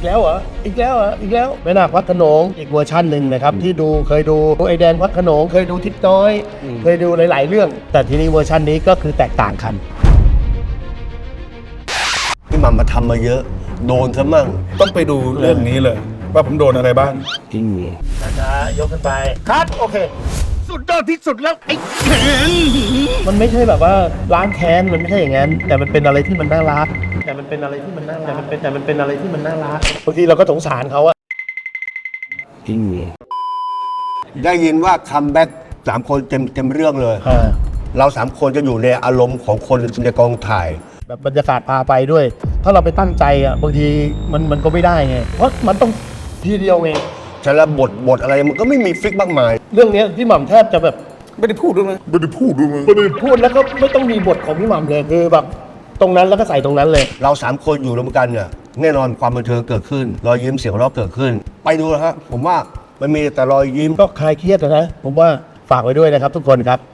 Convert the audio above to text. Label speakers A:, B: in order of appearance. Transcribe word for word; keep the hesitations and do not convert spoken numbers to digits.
A: แล้วเหรออีกแล้วเหรออีกแล้วแม่นาคพระโขนงอีกเวอร์ชันหนึ่งนะครับที่ดูเคยดูไอแดนพระโขนงเคยดูทิศน้อยเคยดูหลายๆเรื่องแต่ทีนี้เวอร์ชันนี้ก็คือแตกต่างกัน
B: พี่หม่ำมาทำมาเยอะโดนซะมั่ง
C: ต้องไปดูเรื่องนี้เลยว่าผมโดนอะไรบ้าง
B: จริง
A: นะยกขึ้นไปครับโอเคสุดยอดที่สุดแล้วไอ้มันไม่ใช่แบบว่าล้างแค้นมันไม่ใช่อย่างนั้นแต่มันเป็นอะไรที่มันน่ารักแต่มันเป็นอะไรที่มันน่ารักแต่มันเป็นแต่มันเป็นอะไรที่มันน่ารักบางทีเราก็สงสารเขาอะ
B: จริงได้ยินว่าคัมแบ็กสามคนเต็มเต็มเรื่องเลยเราสามคนจะอยู่ในอารมณ์ของคนในกองถ่าย
A: แบบบรรยากาศพาไปด้วย ถ้าเราไปตั้งใจอ่ะบางทีมันมันก็ไม่ได้ไงเพราะมันต้องทีเดียวไง
B: แต่ละบทบทอะไรมันก็ไม่มีฟิกมากมาย
A: เรื่องนี้พี่หม่ำแทบจะแบบ
C: ไม่ได้พูดด้วยมั้ยไม่ได้พูดด้วยมั้ย
A: ไม่ได้พูดแล้วก็ไม่ต้องมีบทของพี่หม่ำเลยคือแบบตรงนั้นแล้วก็ใส่ตรงนั้นเลย
B: เราสามคนอยู่รวมกันเนี่ยแน่นอนความบันเทิงเกิดขึ้นรอยยิ้มเสียงหัวเราะเกิดขึ้นไปดูนะฮะผมว่ามันมีแต่รอยยิ้ม
A: ก็คลายเครียดนะผมว่าฝากไว้ด้วยนะครับทุกคนครับ